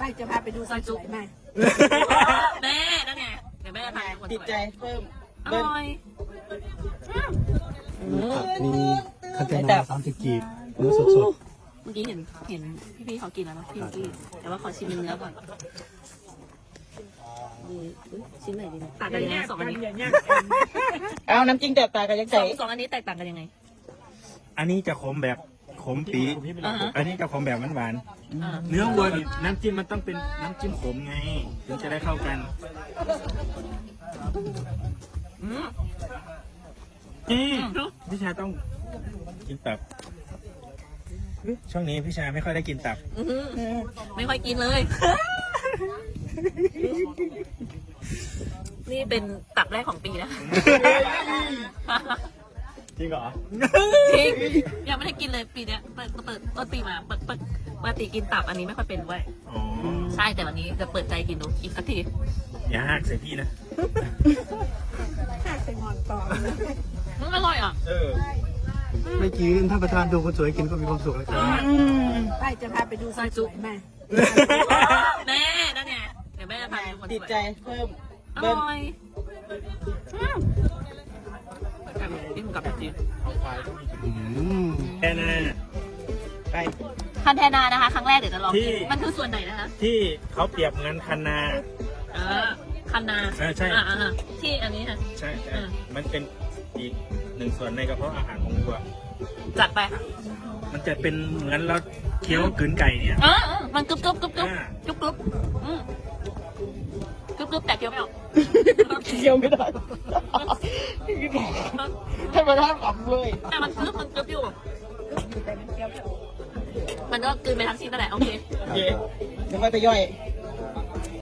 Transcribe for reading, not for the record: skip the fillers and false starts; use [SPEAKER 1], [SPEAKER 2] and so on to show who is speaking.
[SPEAKER 1] จะพาไปดูซอยจุ๊บไหม
[SPEAKER 2] แม่นั่นไงเดี๋ยวแม่พาไป
[SPEAKER 3] ติดใจเพิ่ม
[SPEAKER 2] อ
[SPEAKER 3] เบิ้ล
[SPEAKER 2] ร่อย
[SPEAKER 4] มีคันเทนา30 กีบเนื้อสด
[SPEAKER 2] เมื่อกี้เห็นพี่เขากินแล้วนะพี่กี้แต่ว่าขอชิมเนื้อก่อนชิ้นไหนดีนะต่างกันยังไงสองอันนี้
[SPEAKER 3] เอาน้ำจิ้มแตกต่างกันยังไง
[SPEAKER 2] สองอันนี้แตกต่างกันยังไง
[SPEAKER 5] ๆอันนี้จะขมแบบขมปี
[SPEAKER 2] อ่าฮะ
[SPEAKER 5] อันนี้จะขมแบบหวาน
[SPEAKER 2] อ่า
[SPEAKER 5] ๆเนื้อวัวนี่น้ำจิ้มมันต้องเป็นน้ำจิ้มขมไงถึงจะได้เข้ากัน
[SPEAKER 2] อืม
[SPEAKER 5] พี่ชายต้องกินตับช่วงนี้พี่ชายไม่ค่อยได้กินตับ
[SPEAKER 2] อื้อหือไม่ค่อยกินเลย นี่เป็นตับแรกของปีนะ
[SPEAKER 5] จริงเหรอ
[SPEAKER 2] จริงยังไม่ได้กินเลยปีเนี้ยเปิดต้นปีมาเปิดปกติกินตับอันนี้ไม่ค่อยเป็นเว้ย
[SPEAKER 5] อ๋อ
[SPEAKER 2] ใช่แต่วันนี้จะเปิดใจกินดูอีกสักที
[SPEAKER 5] อย่าหักใส่พี่นะ
[SPEAKER 1] ข้าเป็นงอนต่อเลย
[SPEAKER 2] มันอร่อยอ่ะ
[SPEAKER 4] ๆไม่กินถ้าประธานดูคนสวยกินก็มีความสุขแล้วครับ
[SPEAKER 1] ไปจะพาไปดูซอยจุ๊บไหม
[SPEAKER 2] แม่นั่นไงเดี๋ยวแม่พาไปดูคนสวย
[SPEAKER 3] ติดใจเพิ่ม
[SPEAKER 2] อ
[SPEAKER 3] เบิ้ล
[SPEAKER 2] ร่อยกินกับจีน
[SPEAKER 5] แค่นั้น
[SPEAKER 3] ไป
[SPEAKER 2] คันแทนานะคะ ครั้งแรกเดี๋ยวจะลอง
[SPEAKER 5] ที่
[SPEAKER 2] กินมันคือส่วนไหนนะคะ
[SPEAKER 5] ที่เขาเปรียบเหมือนคันนา
[SPEAKER 2] คันนา
[SPEAKER 5] ใช่
[SPEAKER 2] ที่อันนี้ค่ะ
[SPEAKER 5] ใช่
[SPEAKER 2] อืม
[SPEAKER 5] มันเป็นอีกหนึ่งส่วนในกระเพาะอาหารของวัว
[SPEAKER 2] จัดไป
[SPEAKER 5] มันจะเป็นเหมือนเราเคี้ยวกลืนไก่เนี่ย
[SPEAKER 2] มันกรุบกรุบกรุบกรุบ
[SPEAKER 5] อ่า
[SPEAKER 2] กรุบกรุบกรุบกรุบแต่เคี้ยวไม่ออก
[SPEAKER 3] เคี้ยวไม่ได้ให้มาท่าขำเลย
[SPEAKER 2] แต่มันกรุบอยู่ มันก็กลืนไปทั้งชิ้นนั่นแหละโอเค
[SPEAKER 3] โอเคเดี๋ยวค่อยไปย่อย
[SPEAKER 2] อ